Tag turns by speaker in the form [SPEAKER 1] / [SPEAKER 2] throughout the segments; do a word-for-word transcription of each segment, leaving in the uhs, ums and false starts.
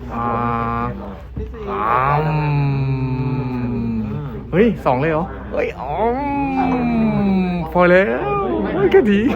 [SPEAKER 1] อ่าสามเฮ้ยสองเลยเหรอเฮ้ยอ๋อพอแล้วเฮ้ยแค่ดี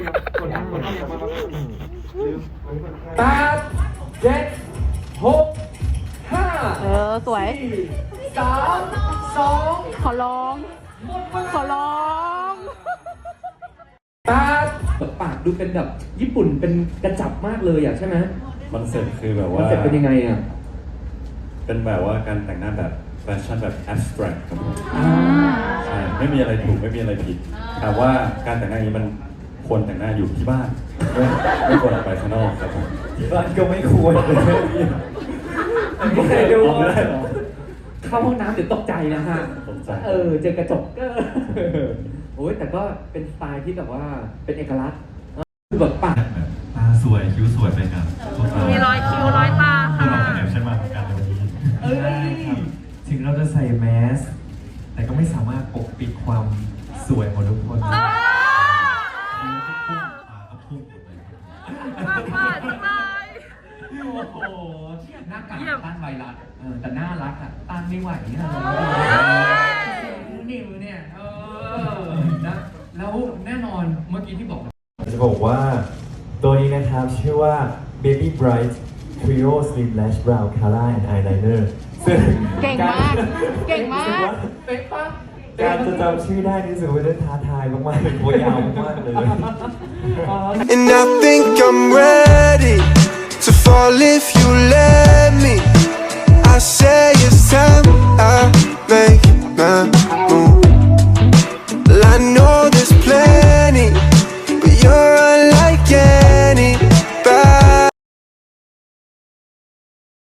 [SPEAKER 2] แปดเจ็ดหกห้า
[SPEAKER 3] เออ สวย
[SPEAKER 2] สามสอง
[SPEAKER 3] ขอร้อง ขอร้อง
[SPEAKER 2] แปดปากดูเป็นแบบญี่ปุ่นเป็นกระจับมากเลยอ่ะใช่ไหม
[SPEAKER 4] คอนเซ็ปต์คือแบบ
[SPEAKER 2] คอ
[SPEAKER 4] ว่าน
[SPEAKER 2] เซ็ปต์เป็นยังไงอ่ะ
[SPEAKER 4] เป็นแบบว่าการแต่งหน้าแบบแฟชั่นแบบ abstract ครับผม
[SPEAKER 2] อ่า
[SPEAKER 4] ใช่ไม่มีอะไรถูกไม่มีอะไรผิดแต่ว่าการแต่งหน้าอย่างนี้มันควรแต่งหน้าอยู่ที่บ้านไม่ไม่ควรออกไปข้างนอกครับผมที่บ้านก็ไม่ควร
[SPEAKER 2] ไม่เคยดู
[SPEAKER 4] ออกไม่ได้หรอ
[SPEAKER 2] เข้าห้องน้ำเดี๋ยวตกใจนะฮะ
[SPEAKER 4] ตกใจ
[SPEAKER 2] เออเจอกระจกก็โอ้ยแต่ก็เป็นสไตล์ที่แบบว่าเป็นเอกลักษณ์คือแบบปาก
[SPEAKER 4] ตาสวยคิ้วสวยไปกันพวกเรา
[SPEAKER 3] มีรอยคิ้วรอยตา
[SPEAKER 4] พวก
[SPEAKER 3] ค่ะ
[SPEAKER 4] เราเป็นแอบใช่ไหมการวันนี้
[SPEAKER 2] เอ้ย
[SPEAKER 5] ถึงเราจะใส่แมส แต่ก็ไม่สามารถปกปิดความสวยของทุกคน
[SPEAKER 4] ตาก็พุ่งหมดเลย
[SPEAKER 3] มากมากสบาย
[SPEAKER 2] โอ้โหหน้ากากต้านไวรัสเออแต่น่ารักอ่ะต้านไม่ไหวนี่นะนิ้วเนี่ยเออนะแล้วแน่นอนเมื่อกี้ที่บอก
[SPEAKER 5] จะบอกว่าตัวนี้นะครับชื่อว่า Baby Bright Trio Slim Lash Brow Color and Eyeliner ซึ่ง
[SPEAKER 3] เก่งมาก เก่งมาก
[SPEAKER 2] เป๊ะปะ
[SPEAKER 5] การจะจำชื่อได้นี่รู้สึกว่าท้าทายมากๆเลยตัวยาวมากๆเลย
[SPEAKER 6] And I think I'm ready to fall if you let